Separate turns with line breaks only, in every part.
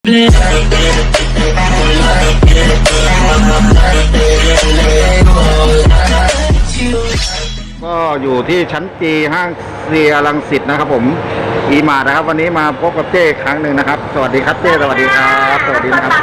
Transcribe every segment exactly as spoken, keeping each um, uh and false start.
ก็อยู่ที่ชั้นจีห้างเซียรังสิตนะครับผมอีมาร์นะครับวันนี้มาพบกับเจ้ครั้งหนึ่งนะครับสวัสดีครับเจ้สวัสดีครับสวัสดีนะครับ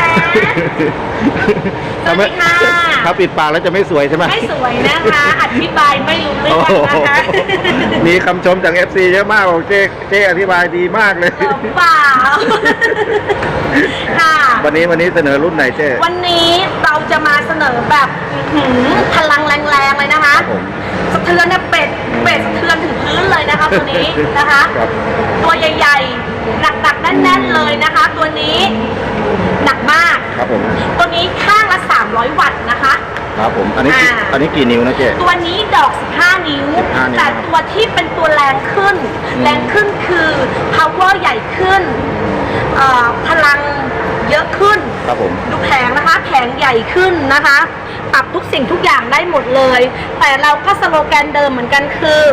สวัสดีค่ะ
ถ้าปิดปากแล้วจะไม่สวยใช่ไหม
ไม่สวยนะคะอธิบายไม่รู้เรื่องนะคะ
มีคำชมจาก เอฟ ซี เยอะมากบอกเจ้เจ้อธิบายดีมากเลย
เปล่าค่ะ
วันนี้วันนี้เสนอรุ่นไหนเจ้
วันนี้เราจะมาเสนอแบบพลังแรงๆเลยนะคะสะเทือนเนี่ยเป็ดเป็ดสะเทือนถึงพื้นเลยนะคะตัวนี้นะคะตัวใหญ่ๆหนักๆแน่นๆเลยนะคะตัวนี้หนักมาก
ครับผม
ตัวนี้ข้างละสามร้อยวัตต์นะคะ
ครับผมอันนี้อันนี้กี่นิ้วนะเจ๊
ตัวนี้ดอกสิบห้านิ้วแต่ตัวที่เป็นตัวแรงขึ้นแรงขึ้นคือ power ใหญ่ขึ้นพลังเยอะขึ้น
ครับผม
ดูแผงนะคะแผงใหญ่ขึ้นนะคะปรับทุกสิ่งทุกอย่างได้หมดเลยแต่เราก็สโลแกนเดิมเหมือนกันคือ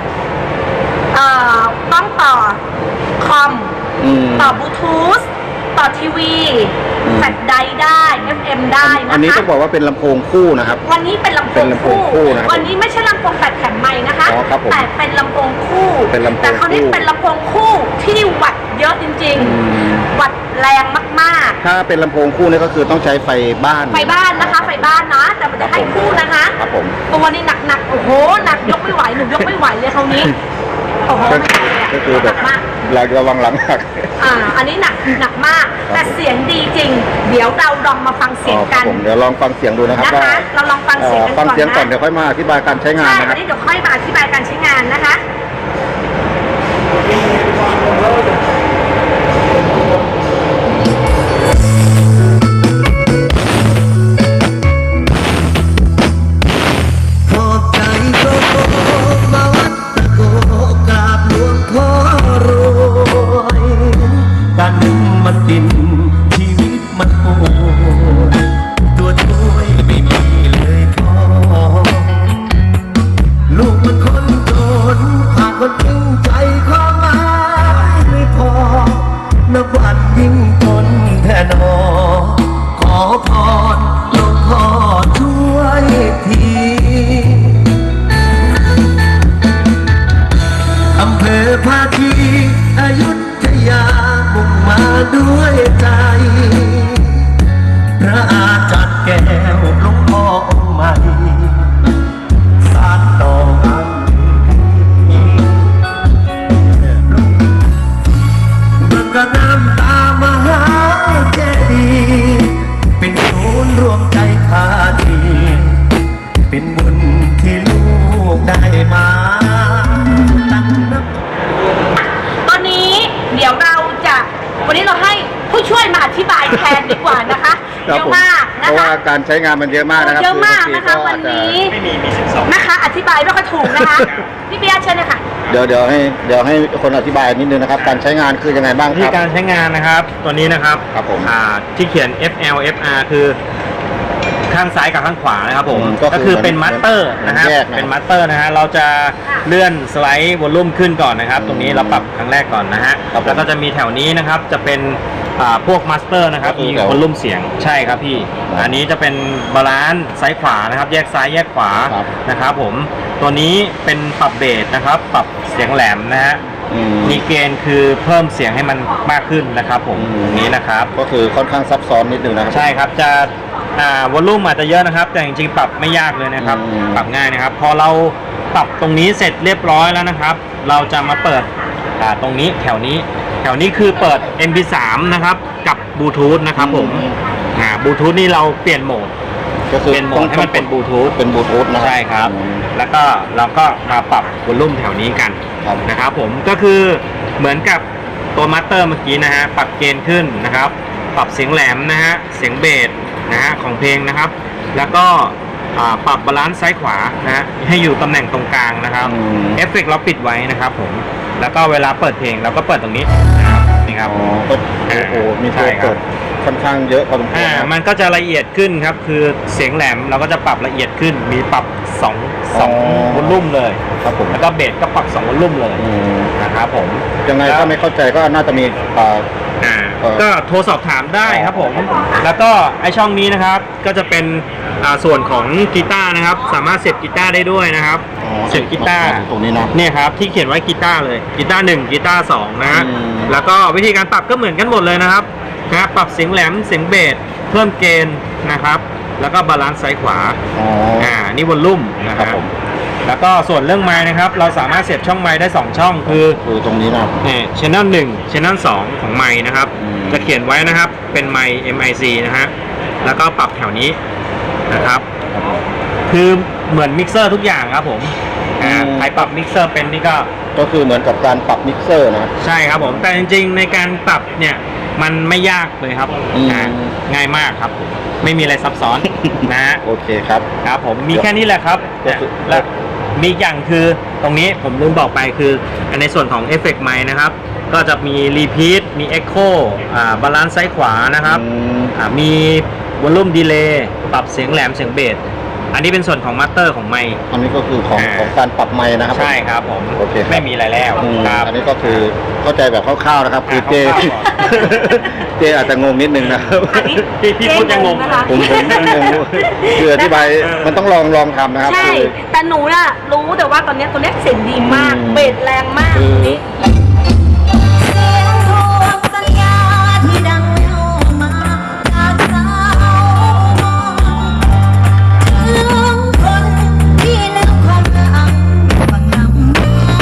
ต้องต่อคอมต่อบลูทูธต่อทีวีแฟลชไดร์ได้ เอฟ เอ็ม ได้นะคะ
อันนี้ต้องบอกว่าเป็นลำโพงคู่นะครับ
วันนี้เป็นลำโพงคู่วันนี้ไม่ใช่ลำโพงแปดแถมใหม่นะคะแต่เป็นลำโพงคู่แต่คราวนี้เป็นลำโพงคู่ที่วัตต์เยอะจริงๆวัตต์แรงมาก
ๆถ้าเป็นลำโพงคู่นี่ก็คือต้องใช้ไฟบ้าน
ไฟบ้านนะคะไฟบ้านนะแต่มันจะให้คู่นะคะ
ครับผม
ตัวนี้หนักๆโอ้โหหนักยกไม่ไหวหนูยกไม่ไหวเลยคราวนี้โอ้โห
ก็คือแบบเราระวังหลังหัก
อ่าอันนี้หนักหนักมากแต่เสียงดีจริงเดี๋ยวเราลองมาฟังเสียงกัน
เดี๋ยวลองฟังเสียงดูนะครับ
นะคะเราลองฟังเสียงกันก่อนนะ
ฟังเสียงก่อนเดี๋ยวค่อยมาอธิบายการใช้งานนะครับ
ใช่อันนี้เดี๋ยวค่อยมาอธิบายการใช้งานนะคะ
ชีวิตมันโหดตัวช่วยไม่มีเลยพอลูกมันคนจนหากคนจริงใจความหมายไม่พอนับวันยิ่งทนแท่นอขอพรหลวงพ่อช่วยทีอำเภอภาคีอยุธยามุ่งมาด้วยใจพระอาจารย์แก้วหลวงพ่อองค์ใหม่สานต่อกันเมื่อกระน้ำตามหาเจดีย์เป็นศูนย์รวมใจพาทีเป็นบุญที่ลูกได้มาตั้งนับ
ตอนนี้เดี๋ยวเราจะวันนี้เราให้ผู้ช่วยมาอธิบายแทนดีกว่านะคะเยอะมากนะคะเพ
ราะว่าการใช้งานมันเยอะมากนะครับ
เยอะมากนะคะวันนี้นะคะอธิบายไม่ค่อยถูกนะคะพี่เบียร์เชิญเลยค่ะ
เดี๋ยวเดี๋ยวให้เดี๋ยวให้คนอธิบายนิดนึงนะครับการใช้งานคือยังไงบ้างครับ
ที่การใช้งานนะครับตัวนี้นะครับ
ครับผม
ที่เขียน เอฟ แอล เอฟ อาร์ คือข้างซ้ายกับข้างขวานะครับผมก็คือเป็นมัตเตอร์นะครับเป็นมัตเตอร์นะฮะเราจะเลื่อนสไลด์วอลลุ่มขึ้นก่อนนะครับตรงนี้เราปรับครั้งแรกก่อนนะฮะแล้วก็จะมีแถวนี้นะครับจะเป็นพวกมาสเตอร์นะครับมีวอลลุ่มเสียงใช่ครับพี่อันนี้จะเป็นบาลานซ์ซ้ายขวานะครับแยกซ้ายแยกขวานะครับผมตัวนี้เป็นปรับเบสนะครับปรับเสียงแหลมนะฮะมีเกณฑ์คือเพิ่มเสียงให้มันมากขึ้นนะครับผมนี้นะครับ
ก็คือค่อนข้างซับซ้อนนิดนึงนะครับ
ใช่ครับจะอ่าวอลลุ่มอาจจะเยอะนะครับแต่จริงๆปรับไม่ยากเลยนะครับปรับง่ายนะครับพอเราปรับตรงนี้เสร็จเรียบร้อยแล้วนะครับเราจะมาเปิดอ่าตรงนี้แถวนี้แถวนี้คือเปิด เอ็ม พี สาม นะครับกับบลูทูธนะครับผมอ่าบลูทูธนี่เราเปลี่ยนโหมด
ก็คือ
เปลี่ยนโหมดให้มันเป็นบลูทูธ
เป็นบลูทูธนะ
ใช่ครับแล้วก็เราก็มาปรับวอลลุ่มแถวนี้กันนะครับผมก็คือเหมือนกับตัวมัตเตอร์เมื่อกี้นะฮะปรับเกณฑ์ขึ้นนะครับปรับเสียงแหลมนะฮะเสียงเบสนะฮะของเพลงนะครับแล้วก็ปรับบาลานซ์ซ้ายขวานะฮะให้อยู่ตำแหน่งตรงกลางนะครับเอฟเฟกต์เราปิดไว้นะครับผมแล้วก็เวลาเปิดเพลงเราก็เปิดตรงนี้นะครับนี่ครับ
โอ้โหมีตัวเปิดค่อนข้างเยอะพอสมควร
มันก็จะละเอียดขึ้นครับคือเสียงแหลมเราก็จะปรับละเอียดขึ้นมีปรับสองสองวอลลุ่มเลย
ครับผม
แล้วก็เบสก็ปรับสองวอลลุ่มเลยนะครับผม
ยังไงก็ไม่เข้าใจก็น่าจะมี
ก็โทรสอบถามได้ครับผมแล้วก็ไอช่องนี้นะครับก็จะเป็นอ่าส่วนของกีตาร์นะครับสามารถเสียบกีตาร์ได้ด้วยนะครับ
อ๋อ
เสียบกีตาร์
ตรงนี้เนาะ
เนี่ยครับที่เขียนไว้กีตาร์เลยกีตาร์หนึ่งกีตาร์สองนะฮะ
อืม
แล้วก็วิธีการปรับก็เหมือนกันหมดเลยนะครับนะปรับเสียงแหลมเสียงเบสเพิ่มเกณฑ์นะครับแล้วก็บาลานซ์ซ้ายขวา
อ๋อ
อ่านี่วอลลุ่มนะค
ครั
รับบ
ผม
แล้วก็ส่วนเรื่องไมค์นะครับเราสามารถเสียบช่องไมค์ได้สองช่องคือ
คือตรงนี้นะครับ
เนี่ยชแนลหนึ่งชแนลสองของไมค์นะครับ
อืม
จะเขียนไว้นะครับเป็นไมค์ เอ็ม ไอ ซี นะฮะแล้วก็ปรับแถวนี้นะครับ
ครับผม
คือเหมือนมิกเซอร์ทุกอย่างครับผมอ่า
อืม
ใครปรับมิกเซอร์เป็นนี่ก็
ก็คือเหมือนกับการปรับมิกเซอร์นะ
ใช่ครับผมแต่จริงๆในการปรับเนี่ยมันไม่ยากเลยครับ
อืม
อ่าง่ายมากครับผมไม่มีอะไรซับซ้อน นะฮะ
โอเคครับ
ครับผมมีแค่นี้แหละครับ
ก็คือ
แล้วมีอีกอย่างคือตรงนี้ผมลืมบอกไปคือในส่วนของเอฟเฟกต์ไมค์นะครับก็จะมีรีพีทมีเอ็กโคอ่าบาลานซ์ซ้ายขวานะครับ
อืม
อ่ามีวอลลุ่มดีเลย์ปรับเสียงแหลมเสียงเบสอันนี้เป็นส่วนของมาสเตอร์ของไมค์
อันนี้ก็คือของ
อ่า
ของการปรับไมค์นะครับผม
ใช่ครับผม
โอเคครับ
ไม่มีอะไรแล้ว
อืม
ครับ
อันนี้ก็คือเข้าใจแบบคร่าวๆนะครับ คือเจ
คร่าวๆก่อน
เจอาจจะงงนิดนึงนะครับ
อันนี้
พี่พี่พูดยังงง
นะคะ
ผมผมยังงงคืออธิบายมันต้องลองลองทำนะครับ
ใช่
คือ
แต่หนูน่ะรู้แต่ว่าตอนเนี้ยตัวเนี้ยเสียงดีมาก
อืม
เบสแรงมาก
คือ
นี่
เสียงทวงสัญญาที่ดังเข้ามาจากสาวถึงคนที่ลืมความหลังฟังนำ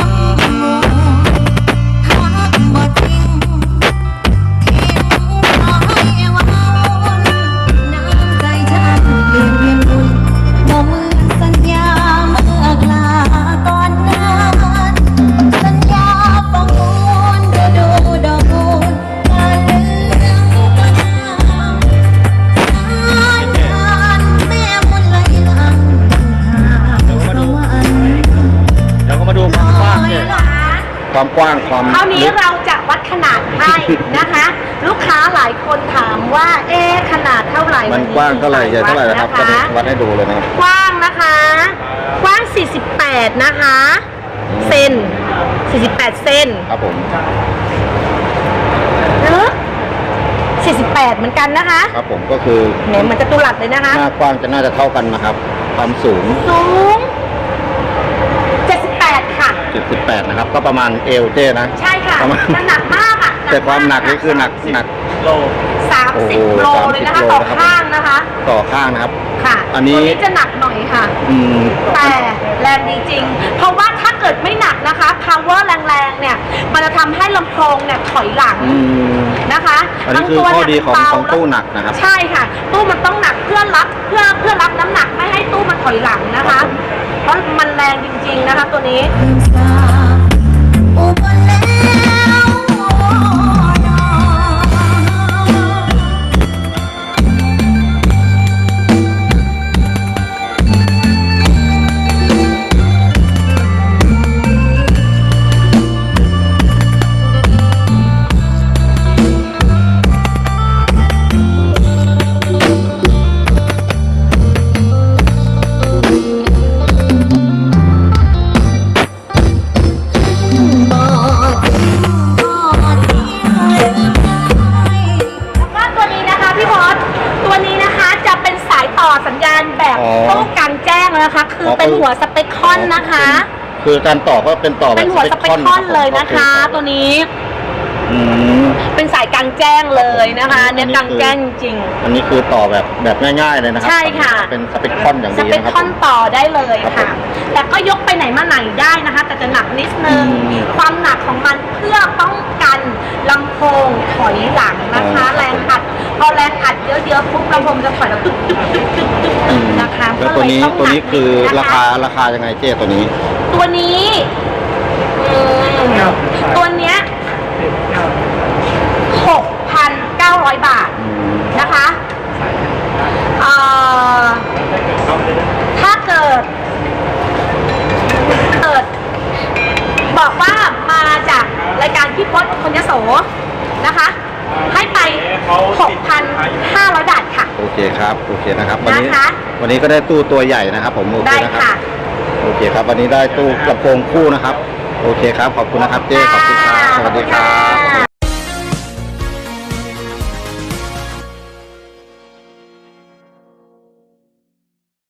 ทักบ่ทิ้งทิ้งน้อยว่าน้ำใจฉันเปลี่ยนเวียนวุ่นบ่เหมือนสัญญาเมื่อกลาก่อนนั้น สัญญาฟังมูลดูดูดอกมูลการเรื่องก็นามสายงานแม่มุนไหลหลังสวรรค์
เดี๋ยวก็มาดูความกว้างเนี่ย
ความกว้างความ
คราวนี้
ลึก
เราจะวัดขนาดให้นะคะ ลูกค้าหลายคนถามว่าเอ๊ะขนาดเท่าไหร่
มันกว้างเท่าไหร่ใหญ่เท่าไหร่นะครับ
วั
ก็
ด
ได้
นะคะ
วัดให้ดูเลยนะครับ
กว้างนะคะ กว้าง สี่สิบแปด นะคะ เซน สี่สิบแปด เซน
ครับผม
ลึก สี่สิบแปด เหมือนกันนะคะ
ครับผมก็คือ
เนี่ยเหมือนจะตุลัดเลยนะคะ
หน้ากว้างจะน่าจะเท่ากันนะครับ ความสูง
สูง เจ็ดสิบแปด ค่ะ
เจ็ดสิบแปดนะครับ ก็ประมาณเอวเจนะ
ใช่ค่ะ
ประมาณ
มันหนักมากอ่ะ
แต่ความหนักนี่คือหนักหนัก
โล
สาม
โอ้
สิบ
โห
โลเลยนะคะ
สามสิบ
ต่อ
โลนะครับ
ข้างนะคะ
ต่อข้างนะครับ
ค่ะ
อันนี้
ตัวนี้จะหนักหน่อยค่ะ
อืม
แต่แรงดีจริง เพราะว่าถ้าเกิดไม่หนักนะคะ power แรงๆ เนี่ย มันจะทำให้ลำโพงเนี่ยถอยหลัง
อืม
นะคะ
อันนี้คือ
ทั้
ข้อ
เย
ดีของ
เบา
ของตู้หนักนะครับ
ใช่ค่ะ ตู้มันต้องหนักเพื่อรับเพื่อเพื่อรับน้ำหนักไม่ให้ตู้มันถอยหลังนะคะ เพราะมันแรงจริงๆนะคะตัวนี้
อุบลแล้วบอกทิ้งบอกทิ้งลืมได้
ว่าตัวนี้นะคะพี่พอสตัวนี้นะคะจะเป็นสายต่อสัญญาณแบบ
อ๋อ
ตู้กลางแจ้งนะคะ คืออ
อ
เป็นหัวสเปคคอนนะคะ
คือการต่อก็เป็นต่อแบบ
เป็นหัวสเปคคอนเลยนะคะ ตัวนี้
อืม
เป็นสายกลางแจ้งเลยนะคะเนี่ยกลางแจ้งจริง
อันนี้คือต่อแบบแบบง่ายๆเลยนะครั
ใช่ค่ะ
เป็นสเปคคอนอย่าง
ส
ดี
เปค
นะครับ
คอนต่อได้เลย
ครับ
ค่ะ
ผม
แต่ก็ยกไปไหนมาไหนได้นะคะ แต่จะหนักนิดนึง
อืม
ความหนักของมันเพื่อป้องกันลำโพงถอยหลังนะคะ
อ๋อ
แรงอัด พอแรงอัดเยอะๆปุ๊บลำโพงจะถอยแล้วตึ๊กตึ๊กตึ๊กตึ๊กตึ๊ก
อืม
นะคะ
แล้วตัวนี้
ก็เลย
ตัว
งห
นี้คือ
ด
ราคาราคายังไงเจ๊ตัวนี้
ตัวนี้อืมตัวเนี้ยหกพันเก้าร้อยบาท
อืม
นะคะเอ่อถ้าเกิด เกิด บอกว่ามาจากรายการพี่พศคนยโสนะคะ ให้ไป หกพันห้าร้อย บาทค่ะ
โอเคครับโอเคนะครับ วันนี้
นะคะ
วันนี้ก็ได้ตู้ตัวใหญ่นะครับผมโอเค
ได้
นะครั
ค่ะ
บโอเคครับ วันนี้ได้ตู้กระโปรงคู่นะครับ โอเคครับขอบคุณนะครับเจ๊ขอบคุณครับสวัสดีครับ